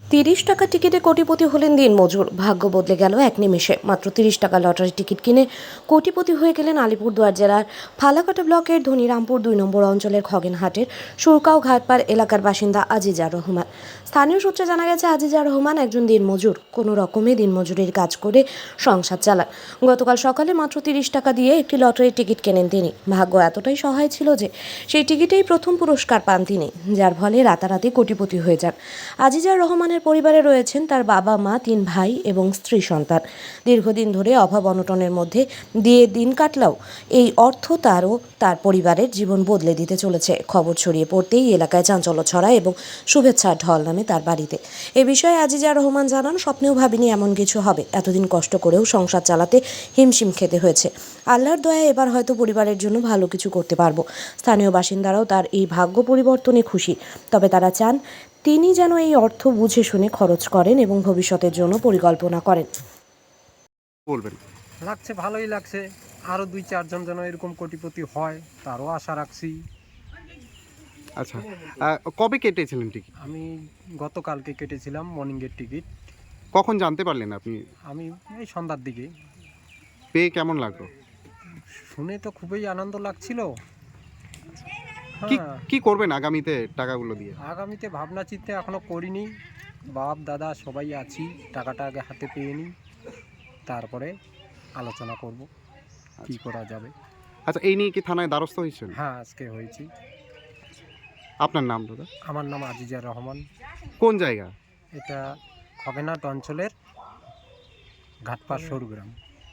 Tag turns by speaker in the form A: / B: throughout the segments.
A: ৩০ টাকা টিকিটে কোটিপতি হলেন দিনমজুর। ভাগ্য বদলে গেল এক নিমেষে। মাত্র ৩০ টাকা লটারি টিকিট কিনে কোটিপতি হয়ে গেলেন আলিপুরদুয়ার জেলার ফালাকাটা ব্লকের ধনিরামপুর ২ নম্বর অঞ্চলের খগেনহাটের সুরকাও ঘাটপাড় এলাকার বাসিন্দা আজিজার রহমান। স্থানীয় সূত্রে জানা গেছে, আজিজার রহমান একজন দিনমজুর। কোনো রকমে দিনমজুরির কাজ করে সংসার চালান। গতকাল সকালে মাত্র ৩০ টাকা দিয়ে একটি লটারির টিকিট কেনেন তিনি। ভাগ্য এতটাই সহায় ছিল যে সেই টিকিটেই প্রথম পুরস্কার পান তিনি, যার ফলে রাতারাতি কোটিপতি হয়ে যান। আজিজার রহমানের পরিবারে রয়েছেন তার বাবা, মা, ৩ ভাই এবং স্ত্রী সন্তান। দীর্ঘদিন ধরে অভাব অনটনের মধ্যে দিয়ে দিন কাটলেও এই অর্থ তার ও তার পরিবারের জীবন বদলে দিতে চলেছে। খবর ছড়িয়ে পড়তেই এলাকায় চাঞ্চল্য ছড়ায় এবং শুভেচ্ছার ঢল নামে তার বাড়িতে। এ বিষয়ে আজিজা রহমান জানান, স্বপ্নেও ভাবিনি এমন কিছু হবে। এতদিন কষ্ট করেও সংসার চালাতে হিমশিম খেতে হয়েছে। আল্লাহর দয়ায় এবার হয়তো পরিবারের জন্য ভালো কিছু করতে পারবো। স্থানীয় বাসিন্দারাও তার এই ভাগ্য পরিবর্তনে খুশি। তবে তারা চান তিনি যেন এই অর্থ বুঝে শুনে খরচ করেন এবং ভবিষ্যতের জন্য পরিকল্পনা করেন।
B: বলবেন।
C: লাগছে, ভালোই লাগছে। আরও ২-৪ জন যেন এরকম কোটিপতি হয় তারও আশা রাখছি।
B: আচ্ছা, কবে কেটেছিলেন টিকিট?
C: আমি গতকালকে কেটেছিলাম মর্নিংয়ের টিকিট।
B: কখন জানতে পারলেন আপনি?
C: আমি এই সন্ধ্যার দিকে
B: পেয়ে কেমন লাগলো?
C: শুনে তো খুবই আনন্দ লাগছিল।
B: কি
C: হ্যাঁ,
B: কি করবেন আগামীতে টাকাগুলো দিয়ে?
C: আগামীতে ভাবনা চিন্তা এখনও করিনি। বাপ দাদা সবাই আছি, টাকাটা আগে হাতে পেয়ে নিই, তারপরে আলোচনা করব কী করা যাবে।
B: আচ্ছা, এই নিয়ে কি থানায় দ্বারস্থ হয়েছেন?
C: হ্যাঁ, আজকে হয়েছি।
B: আপনার নাম দাদা?
C: আমার নাম আজিজার রহমান।
B: কোন জায়গা?
C: এটা খগেনহাট অঞ্চলের ঘাটপাড় সরুগ্রাম।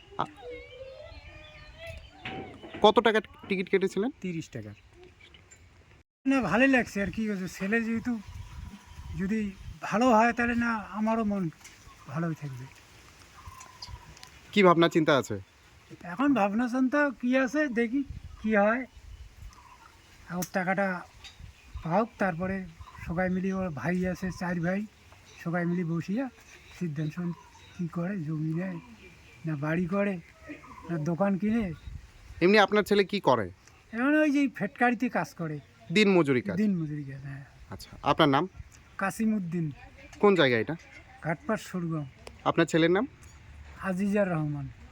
B: কত টাকা টিকিট কেটেছিলেন?
C: ৩০ টাকার।
D: না, ভালোই লাগছে আর কি বলছে, ছেলে যেহেতু যদি ভালো হয় তাহলে না আমারও মন ভালোই থাকবে।
B: কি ভাবনা চিন্তা আছে?
D: এখন ভাবনা চিন্তা কী আছে, দেখি কি হয়। আর টাকাটা পাওক, তারপরে সবাই মিলে, ওর ভাই আছে 4 ভাই, সবাই মিলে বসিয়া সিদ্ধান্ত কী করে, জমি নেয় না বাড়ি করে না দোকান কিনে।
B: এমনি আপনার ছেলে কি করে?
D: এখন ওই যে ফেটকারিতে কাজ করে,
B: দিন মজুরি কাজ।
D: দিন মজুরি কাজ। হ্যাঁ,
B: আচ্ছা, আপনার নাম?
D: কাসিমউদ্দিন,
B: কোন জায়গা এটা?
D: ঘাটপাড় সরুগ্রাম।
B: আপনার ছেলের নাম?
D: আজিজার রহমান।